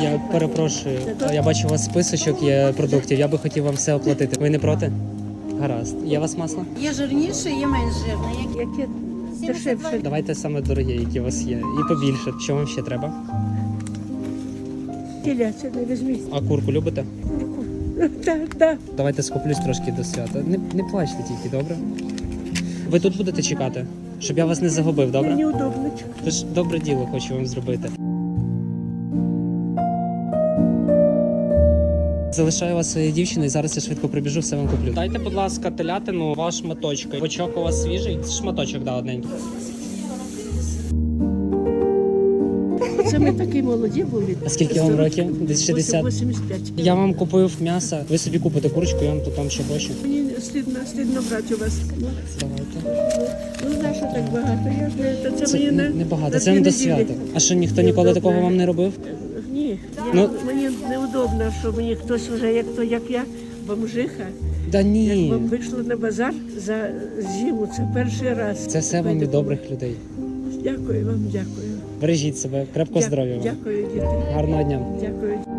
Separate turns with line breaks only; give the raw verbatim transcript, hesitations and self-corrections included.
Я перепрошую, я бачу у вас списочок є продуктів, я би хотів вам все оплатити. Ви не проти? Гаразд. Є у вас масло?
Є жирніше, є менш жирне.
Яке дешевше.
Давайте саме дорогі, які у вас є. І побільше. Що вам ще треба?
Теляця не візьміть.
А курку любите?
Курку. Так, так.
Давайте скуплюсь трошки до свята. Не, не плачте тільки, добре? Ви тут будете чекати, щоб я вас не загубив, добре?
Мені удобно.
Тож добре діло хочу вам зробити. Залишаю вас своєю дівчиною, зараз я швидко прибіжу, все вам куплю. Дайте, будь ласка, телятину, два шматочки. Бочок у вас свіжий? Шматочок, да, одненький.
Це ми такі молоді були.
А скільки вам років? Десь шістдесят?
вісімдесят п'ять.
Я вам купив м'ясо, ви собі купите курочку, я вам тут там ще бочу.
Мені стидно, стидно брати у вас. Ну,
Давайте.
ну на що так багато? Я ж не, це,
Це
мені
не,
на,
не багато,
на
це
дві
не до
неділі.
свята. А що, ніхто ніколи такого вам не робив?
Ні, я,
Ну-
мені неудобно, що мені хтось вже, як то, як я, бомжиха.
Да
Як
ні.
вам вийшла на базар за зиму, це перший раз.
Це все вам від добрих людей.
Дякую вам, дякую.
Бережіть себе, крепкого
Дя-
здоров'я вам.
Дякую, діти.
Гарного дня.
Дякую.